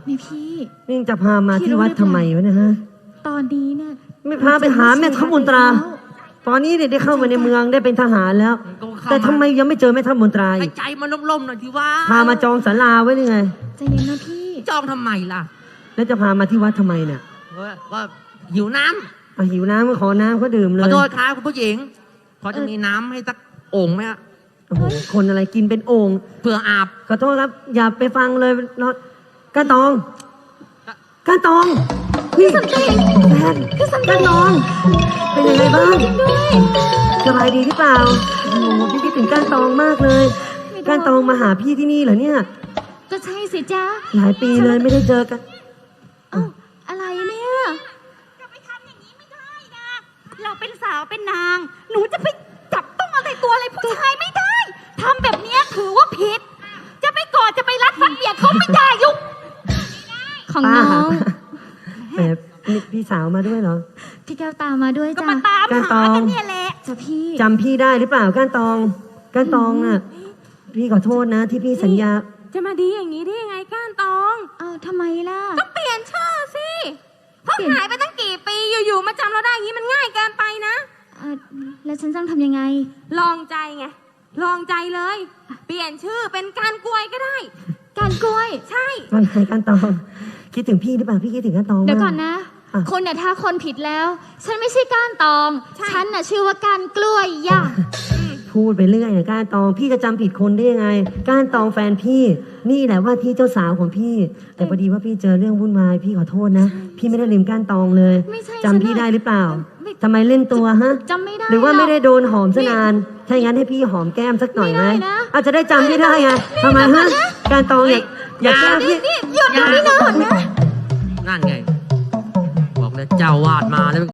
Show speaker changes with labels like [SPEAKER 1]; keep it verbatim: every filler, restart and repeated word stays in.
[SPEAKER 1] นี่พี่
[SPEAKER 2] นี่จะพามาที่วัดทำไมวะเนี่ยฮะ
[SPEAKER 1] ตอนนี้เนี่ย
[SPEAKER 2] ไม่พาไปหาแม่ทัพมนตราตอนนี้เนี่ยได้เข้ามาในเมืองได้เป็นทหารแล้ว แต่ทำไมยังไม่เจอแม่ทัพมนตราอีก
[SPEAKER 3] ใจมันล่มๆหน่อยทีว่า
[SPEAKER 2] พามาจองศาลาไว้ยังไง
[SPEAKER 1] ใจเย็นนะพี่
[SPEAKER 3] จองทำไมล่ะ
[SPEAKER 2] แล้วจะพามาที่วัดทำไมเนี่ย
[SPEAKER 3] ก็หิวน้
[SPEAKER 2] ำอ่ะหิวน้ำก็ขอน้ำเขาดื่มเลย
[SPEAKER 3] ขอโทษครับคุณผู้หญิงพอจะมีน้ำให้สักโอ่งไหมฮะ
[SPEAKER 2] โอ้โหคนอะไรกินเป็นโอ่ง
[SPEAKER 3] เพื่ออาบ
[SPEAKER 2] ขอโทษครับอย่าไปฟังเลยรถก้านตองก้านตองพี่สันติแฟนก้านตองเป็นยังไงบ้างสบายดีหรือเปล่าโอ้โหพี่คิดถึงก้านตองมากเลยก้านตองมาหาพี่ที่นี่เหรอเนี่ย
[SPEAKER 1] ก็ใช่สิจ๊ะ
[SPEAKER 2] หลายปีเลยไม่ได้เจอกัน
[SPEAKER 1] อ้าวอะไรเนี่ยจะไปทำอย่างนี้ไม่ได้นะเราเป็นสาวเป็นนางหนูจะไปจับต้องอะไรตัวอะไรผู้ชายไม่ได้ทำแบบนี้ถือว่าผิดจะไปกอดจะไปรัดฟัดเบียดเขาไม่ได้ยุกของน้อง
[SPEAKER 2] แบบพี่สาวมาด้วยเหรอ
[SPEAKER 1] พี่แก้วตามมาด้วยจ้ะก็มาตามหากันเนี่ยแหละจ้ะพี่
[SPEAKER 2] จำพี่ได้หรือเปล่าก้านตองก้านตองน่ะพี่ขอโทษนะที่พี่สัญญา
[SPEAKER 1] จะมาดีอย่างนี้ได้ยังไงก้านตองอ้าวทำไมล่ะก็เปลี่ยนชื่อสิเพราะหายไปตั้งกี่ปีอยู่ๆมาจำเราได้อย่างนี้มันง่ายเกินไปนะแล้วฉันต้องทำยังไงลองใจไงลองใจเลยเปลี่ยนชื่อเป็นการกล้วยก็ได้การกล้วยใช่
[SPEAKER 2] ไม่ใช่ก้านตองคิดถึงพี่หรือเปล่าพี่คิดถึงก้านตอง
[SPEAKER 1] เดี๋ยวก่อนนะคนเนี่ยถ้าคนผิดแล้วฉันไม่ใช่ก้านตองฉันน่ะชื่อว่าก้านกล้วยย่า
[SPEAKER 2] พูดไปเรื่อยนะก้านตองพี่จะจำผิดคนได้ยังไงก้านตองแฟนพี่นี่แหละว่าที่เจ้าสาวของพี่แต่พอดีว่าพี่เจอเรื่องวุ่นวายพี่ขอโทษนะพี่ไม่ได้ลืมก้านตองเลยจำพี่ได้หรือเปล่าทำไมเล่นตัวฮะ
[SPEAKER 1] จำไม่ได้
[SPEAKER 2] หรือว่าไม่ได้โดนหอมซะนานถ้าอย่างนั้นให้พี่หอมแก้มสักหน่อยไหมอาจจะได้จำพี่ได้ไงทำไมฮะก้านตองอยากอยากแก้มพี่
[SPEAKER 1] หยุดนะพี่นอนนะ
[SPEAKER 3] นั่นไงบอกเลยเจ้าวาดมาแล้ว